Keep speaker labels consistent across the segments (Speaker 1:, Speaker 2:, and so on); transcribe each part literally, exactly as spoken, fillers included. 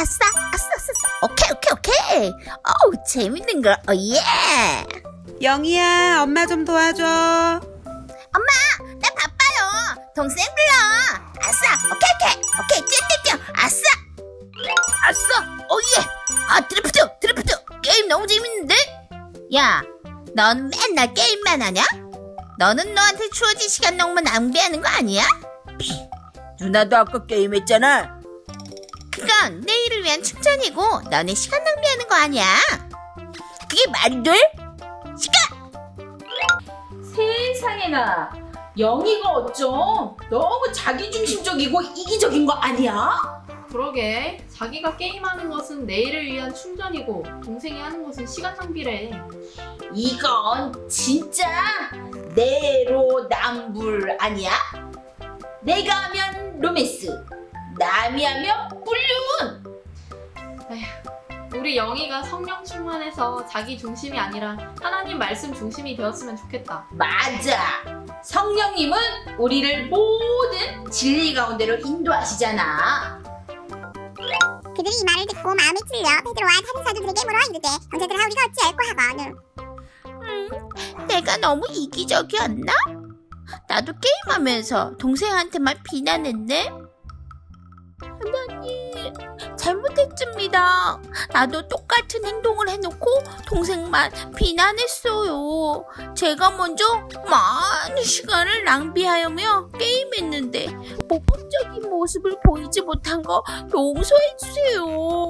Speaker 1: 아싸, 아싸, 아싸. 오케이, 오케이, 오케이. 어우, 재밌는 걸. 어, 예.
Speaker 2: 영희야, 엄마 좀 도와줘.
Speaker 1: 엄마, 나 바빠요. 동생 불러. 아싸, 오케이, 오케이, 오케이, 뛰어, 뛰어, 뛰어. 아싸, 아싸, 오 예. 아, 드리프트, 드리프트. 게임 너무 재밌는데? 야, 넌 맨날 게임만 하냐? 너는 너한테 주어진 시간 너무 낭비하는 거 아니야?
Speaker 3: 누나도 아까 게임했잖아.
Speaker 1: 그건 내일을 위한 충전이고 너네 시간 낭비하는 거 아니야? 그게 말이 돼? 시간!
Speaker 4: 세상에나 영희가 어쩜 너무 자기중심적이고 이기적인 거 아니야?
Speaker 5: 그러게 자기가 게임하는 것은 내일을 위한 충전이고 동생이 하는 것은 시간 낭비래.
Speaker 4: 이건 진짜 내로남불 아니야? 내가 하면 로맨스, 남이 하면 불륜.
Speaker 5: 우리 영희가 성령 충만해서 자기 중심이 아니라 하나님 말씀 중심이 되었으면 좋겠다.
Speaker 4: 맞아. 성령님은 우리를 모든 진리 가운데로 인도하시잖아.
Speaker 6: 그들이 이 말을 듣고 마음에 찔려 베드로와 다른 사도들에게 물어 이르되 형제들아 우리가 어찌할꼬 하거늘.
Speaker 1: 음, 내가 너무 이기적이었나? 나도 게임하면서 동생한테만 비난했네? 하나님, 잘못했습니다. 나도 똑같은 행동을 해놓고 동생만 비난했어요. 제가 먼저 많은 시간을 낭비하며 게임했는데 모범적인 모습을 보이지 못한 거 용서해주세요.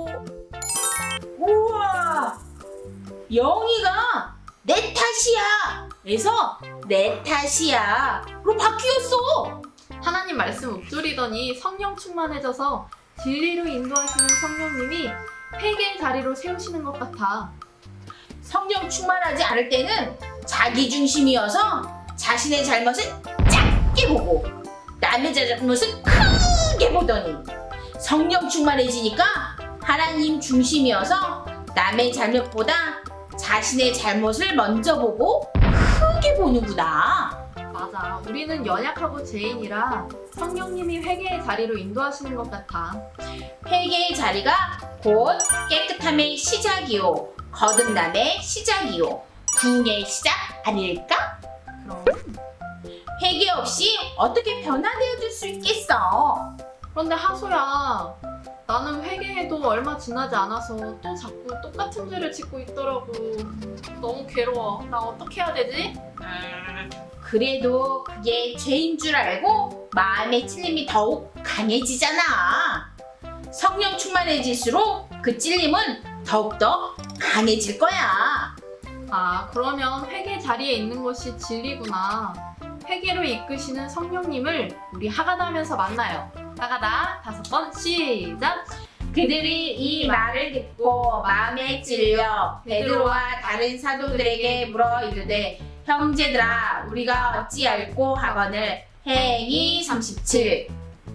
Speaker 4: 우와, 영희가 내 탓이야 에서 내 탓이야로 바뀌었어.
Speaker 5: 하나님 말씀 읊조리더니 성령 충만해져서 진리로 인도하시는 성령님이 회개의 자리로 세우시는 것 같아.
Speaker 4: 성령 충만하지 않을 때는 자기중심이어서 자신의 잘못을 작게 보고 남의 잘못을 크게 보더니 성령 충만해지니까 하나님 중심이어서 남의 잘못보다 자신의 잘못을 먼저 보고 크게 보는구나.
Speaker 5: 맞아. 우리는 연약하고 죄인이라 성령님이 회개의 자리로 인도하시는 것 같아.
Speaker 4: 회개의 자리가 곧 깨끗함의 시작이요, 거듭남의 시작이요, 부흥의 시작 아닐까?
Speaker 5: 그럼.
Speaker 4: 회개 없이 어떻게 변화되어질 수 있겠어?
Speaker 5: 그런데 하소야, 나는 회개해도 얼마 지나지 않아서 또 자꾸 똑같은 죄를 짓고 있더라고. 너무 괴로워. 나 어떻게 해야 되지?
Speaker 4: 음, 그래도 그게 죄인 줄 알고 마음의 찔림이 더욱 강해지잖아. 성령 충만해질수록 그 찔림은 더욱더 강해질 거야.
Speaker 5: 아, 그러면 회개 자리에 있는 것이 진리구나. 회개로 이끄시는 성령님을 우리 하가다 하면서 만나요. 하가다 다섯 번 시작!
Speaker 4: 그들이 이 말을 듣고 마음에 찔려 베드로와 다른 사도들에게 물어 이르되 형제들아 우리가 어찌할꼬 하거늘. 행위 삼십칠.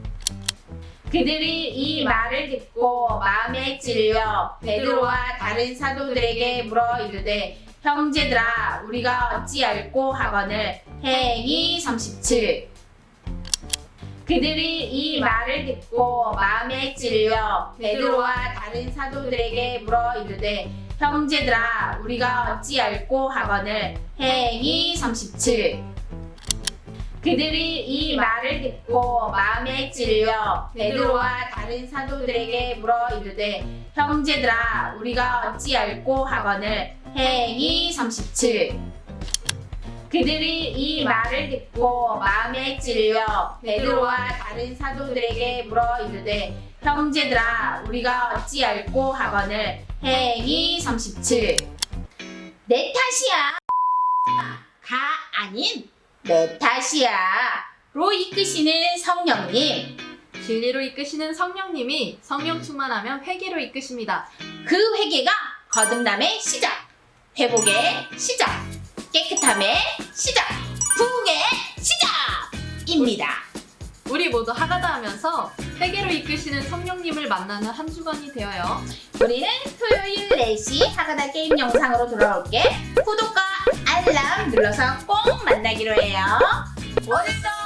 Speaker 4: 그들이 이 말을 듣고 마음에 찔려 베드로와 다른 사도들에게 물어 이르되 형제들아 우리가 어찌할꼬 하거늘. 행위 삼십칠. 그들이 이 말을 듣고 마음에 찔려 베드로와 다른 사도들에게 물어 이르되 형제들아 우리가 어찌할꼬 하거늘. 행위 삼십칠. 그들이 이 말을 듣고 마음에 찔려 베드로와 다른 사도들에게 물어 이르되 형제들아 우리가 어찌할꼬 하거늘. 행위 삼십칠. 그들이 이 말을 듣고 마음에 찔려 베드로와 다른 사도들에게 물어 이르되 형제들아 우리가 어찌할꼬 하거늘. 행위 삼십칠. 내 탓이야 가 아닌 내 탓이야 로 이끄시는 성령님.
Speaker 5: 진리로 이끄시는 성령님이 성령 충만하면 회개로 이끄십니다.
Speaker 4: 그 회개가 거듭남의 시작, 회복의 시작, 깨끗함의 시작, 부흥의 시작입니다.
Speaker 5: 우리 모두 하가다 하면서 회개로 이끄시는 성령님을 만나는 한 주간이 되어요.
Speaker 4: 우리는 토요일 네 시 하가다 게임 영상으로 돌아올게. 구독과 알람 눌러서 꼭 만나기로 해요. 오늘도